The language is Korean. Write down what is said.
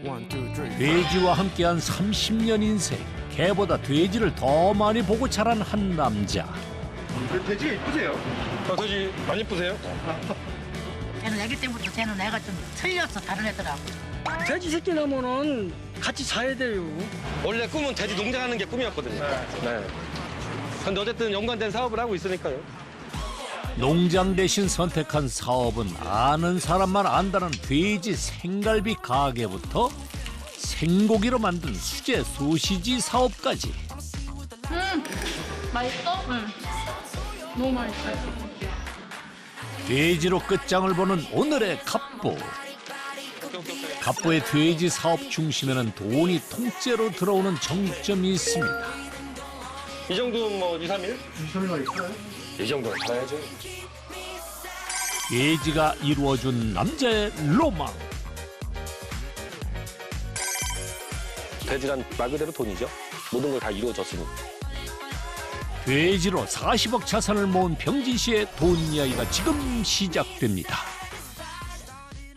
돼지와 함께한 30년 인생. 개보다 돼지를 더 많이 보고 자란 한 남자. 돼지 이쁘세요? 돼지 많이 이쁘세요? 쟤는 애기 때부터 쟤는 애가 좀 틀렸어 다른 애들하고. 돼지 새끼 나면은 같이 자야 돼요. 원래 꿈은 돼지 농장하는 게 꿈이었거든요. 네. 근데 어쨌든 연관된 사업을 하고 있으니까요. 농장 대신 선택한 사업은 아는 사람만 안다는 돼지 생갈비 가게부터 생고기로 만든 수제 소시지 사업까지. 맛있어? 응. 너무 맛있어요. 돼지로 끝장을 보는 오늘의 갑부. 갑부의 돼지 사업 중심에는 돈이 통째로 들어오는 정점이 있습니다. 이 정도면 뭐 2, 3일? 2, 3일 만에 팔아요? 이 정도는 살아야죠. 돼지가 이루어준 남자의 로망. 돼지란 말 그대로 돈이죠. 모든 걸 다 이루어졌으니. 돼지로 40억 자산을 모은 병진 씨의 돈 이야기가 지금 시작됩니다.